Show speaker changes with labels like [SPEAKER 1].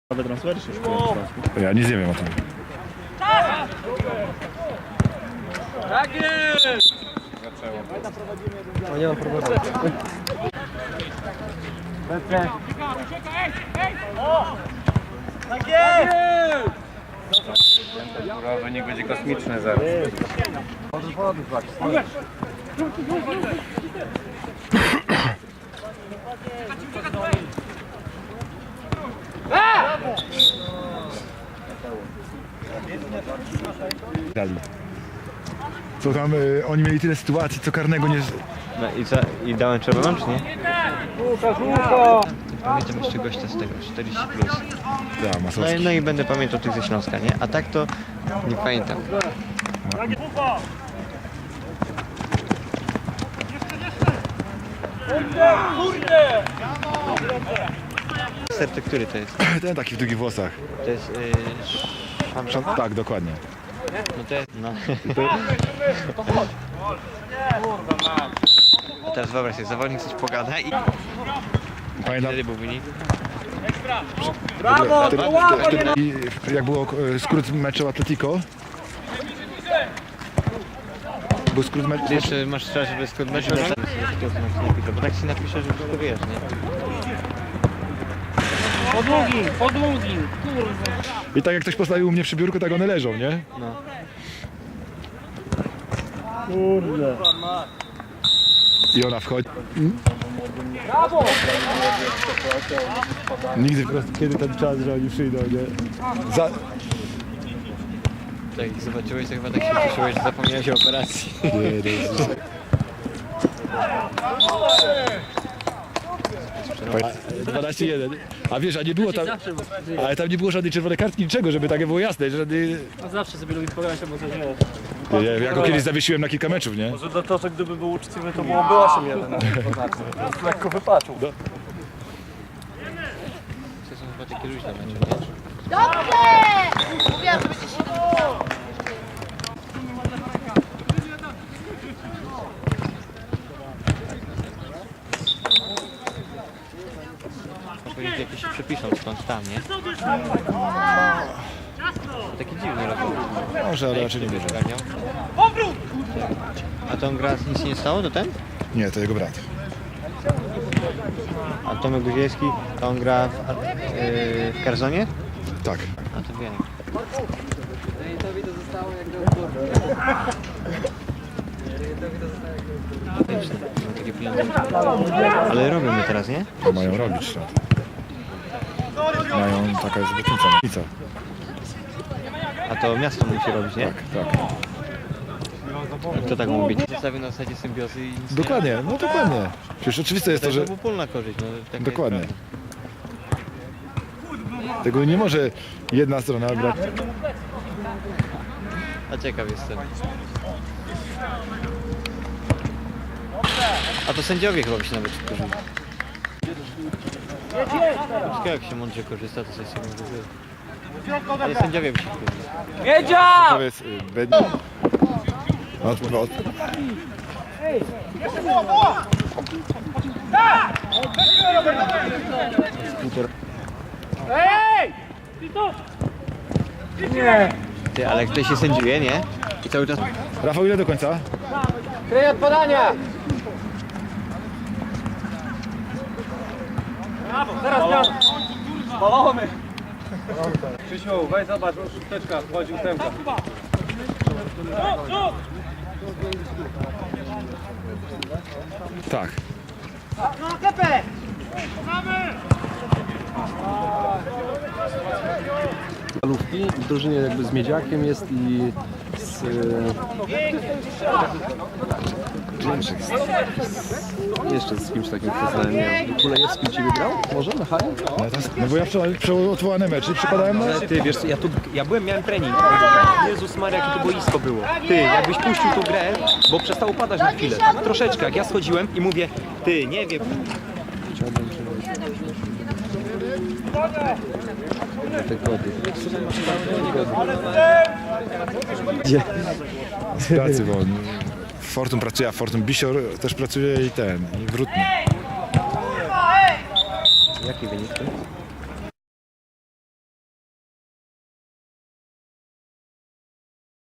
[SPEAKER 1] Nowe transfery się szkują w Śląsku.
[SPEAKER 2] Ja nic nie wiem o tym.
[SPEAKER 3] Tak jest!
[SPEAKER 4] No nie mam problemu.
[SPEAKER 3] Tak jest!
[SPEAKER 4] Wynik będzie kosmiczny zaraz.
[SPEAKER 2] Dali. Co tam, oni mieli tyle sytuacji, co karnego nie...
[SPEAKER 5] No i co? I dałem czerwoną, czy nie?
[SPEAKER 4] Łukasz!
[SPEAKER 5] Pamiętam jeszcze gościa z tego, 40 plus.
[SPEAKER 2] Da, Masowski.
[SPEAKER 5] No i będę pamiętał tych ze Śląska, nie? A tak to nie pamiętam.
[SPEAKER 3] Kurde!
[SPEAKER 5] Serce, który to jest?
[SPEAKER 2] Ten taki w długich włosach.
[SPEAKER 5] To jest... Szamszon?
[SPEAKER 2] Tak, dokładnie.
[SPEAKER 5] No to jest... No. A teraz wyobraź sobie, zawodnik coś pogada i...
[SPEAKER 2] Pamiętam,
[SPEAKER 5] Wtedy był wynik.
[SPEAKER 3] Brawo!
[SPEAKER 2] i jak było skrót meczu Atletico. Był skrót meczu...
[SPEAKER 5] Ty jeszcze masz czas, żeby skrót meczu, bo tak się napisze, że wszystko wiesz, nie?
[SPEAKER 3] Po długim, kurwa.
[SPEAKER 2] I tak jak ktoś postawił u mnie przy biurku, tak one leżą, nie?
[SPEAKER 5] No.
[SPEAKER 1] Kurde.
[SPEAKER 2] I ona wchodzi.
[SPEAKER 3] Brawo!
[SPEAKER 2] Nigdy po prostu, kiedy ten czas, że oni przyjdą, nie? Za...
[SPEAKER 5] Tak, jak zobaczyłeś, to chyba tak się cieszyłeś, że zapomniałeś o operacji.
[SPEAKER 2] Nie, 12-1. A wiesz, a nie było tam... Ale tam nie było żadnej czerwonej kartki, niczego, żeby takie było jasne. Żadnej...
[SPEAKER 1] No zawsze sobie lubi pogadać, bo coś nie jest.
[SPEAKER 2] Ja go kiedyś zawiesiłem na kilka meczów, nie?
[SPEAKER 1] Może to, że gdyby był uczciwy, to byłoby 8-1. Lekko wypaczył.
[SPEAKER 5] To są chyba takie luźne mecze, nie?
[SPEAKER 6] Dobrze! Mówiłam, że będzie się...
[SPEAKER 5] Można powiedzieć, jakieś się przepiszą stąd tam, nie? Taki dziwny robią.
[SPEAKER 2] Może, ale raczej nie wierzę.
[SPEAKER 5] Ogarniał. A to on gra, nic się nie stało, to ten?
[SPEAKER 2] Nie, to jego brat.
[SPEAKER 5] A Tomek Guzielski, to on gra w Karzonie?
[SPEAKER 2] Tak.
[SPEAKER 5] A to wiem. No, takie pieniądze. Ale robią je teraz, nie?
[SPEAKER 2] To mają robić to. Mają, taka jest obietnica.
[SPEAKER 5] A to miasto musi robić, nie?
[SPEAKER 2] Tak, tak.
[SPEAKER 5] To tak mówi być. Zostawił na zasadzie symbiozy i...
[SPEAKER 2] Dokładnie, no dokładnie. Przecież oczywiste jest to, że...
[SPEAKER 5] To wspólna korzyść, no. Taka
[SPEAKER 2] Dokładnie.
[SPEAKER 5] jest
[SPEAKER 2] Tego nie może jedna strona brać.
[SPEAKER 5] prawda. A ciekaw jestem. A to sędziowie chyba by się nawet korzysta. Wszystko jak się mądrze korzysta, to coś sobie może. Ale sędziowie by się korzysta.
[SPEAKER 3] Wiedział!
[SPEAKER 2] Powiedz,
[SPEAKER 3] Ej! Nie!
[SPEAKER 5] Ty, ale ktoś się sędziuje, nie? I cały czas...
[SPEAKER 2] Rafał, ile do końca?
[SPEAKER 3] Kryj od podania! Teraz miał... Spalony!
[SPEAKER 4] Krzysiu, weź zobacz, szósteczka wchodzi ósemka.
[SPEAKER 2] Tak.
[SPEAKER 3] No, kepę!
[SPEAKER 4] Lufki w drużynie jakby z Miedziakiem jest i z... Jeszcze z kimś takim poznałem, nie wiem. Kulejewski ciebie grał? Może na hali?
[SPEAKER 2] No bo ja przeodwołane mecze przypadałem na...
[SPEAKER 4] Ale ty, wiesz co, miałem trening. Jezus Maria, jakie to boisko było. Ty, jakbyś puścił tą grę, bo przestało padać na chwilę. Tak troszeczkę, jak ja schodziłem i mówię, ty, nie wiem.
[SPEAKER 2] Z pracy, bo Fortum pracuje, a Fortum Bisior też pracuje i ten, i Wrutny.
[SPEAKER 5] Jaki wynik?